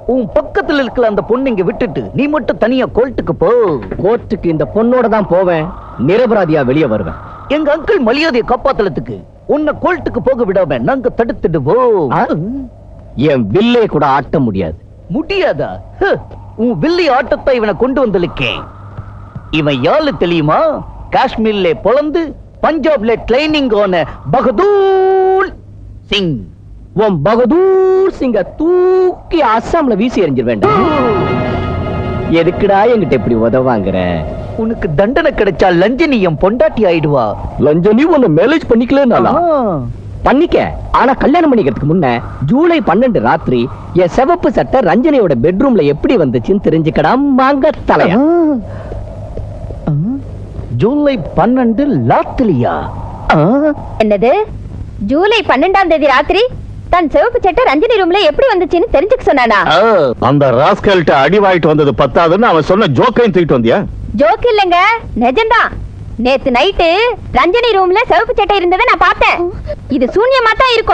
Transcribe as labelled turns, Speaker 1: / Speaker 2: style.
Speaker 1: உன் பக்கத்துல இருக்கிற அந்த பொண்ணு இங்க விட்டுட்டு நீ மட்டும் தனியா கோர்ட்டுக்கு போ.
Speaker 2: கோர்ட்டுக்கு இந்த பொண்ணோட தான் போவேன், நிரபராதியா வெளியே வருவேன்.
Speaker 1: எங்க அங்கிள் மரியாதையை காப்பாத்தலத்துக்கு உன்னை கோர்ட்டுக்கு போக விடாம நாங்க தடுத்துடுவோம்.
Speaker 2: என் வில்லே கூட ஆட்ட முடியாது.
Speaker 1: முடியாதா? உன் வில்லி ஆட்டத்தை இவனை கொண்டு வந்திருக்கேன். இவன் யாரு தெரியுமா? காஷ்மீர்ல பொழந்து பஞ்சாப்ல ட்ரைனிங் ஆன பகதூர் சிங்.
Speaker 2: உன் பகதூர் சிங்க தூக்கி அஸ்ஸாம்ல வீசி எறிஞ்சிட வேண்டாம். எதுக்குடா என்கிட்ட இப்படி உதவாங்கிற?
Speaker 1: உனக்கு தண்டனை கிடைச்சா லஞ்சனி என் பொண்டாட்டி ஆயிடுவா.
Speaker 2: லஞ்சனி உன்னை மேரேஜ் பண்ணிக்கல பண்ணிக்க. ஆனா கல்யாணம் பண்ணிக்கிறதுக்கு முன்ன ஜூலை 12 ராத்திரி என் சிவப்பு சட்டை ரஞ்சனியோட பெட்ரூம்ல எப்படி வந்துச்சுன்னு தெரிஞ்சுக்கடா மாங்க தலையா.
Speaker 1: ஜூலை 12 ராத்திரியா?
Speaker 3: என்னது? ஜூலை 12ஆம் தேதி ராத்திரி தன் சிவப்பு சட்டை ரஞ்சினி ரூம்ல எப்படி வந்துச்சுன்னு தெரிஞ்சுக்க சொன்னானா?
Speaker 4: அந்த ராஸ்கல்ட்ட அடி வாங்கிட்டு வந்தது பத்தாதுன்னு அவன் சொன்ன ஜோக்கையும் தூக்கிட்டு வந்தியா?
Speaker 3: ஜோக் இல்லங்க, நிஜம்தான். நேத்து நைட்டு ரஞ்சினி ரூம்ல சிவப்பு சட்டை இருந்ததை நான் பார்த்தேன். இது சூன்யமா தான் இருக்கும்.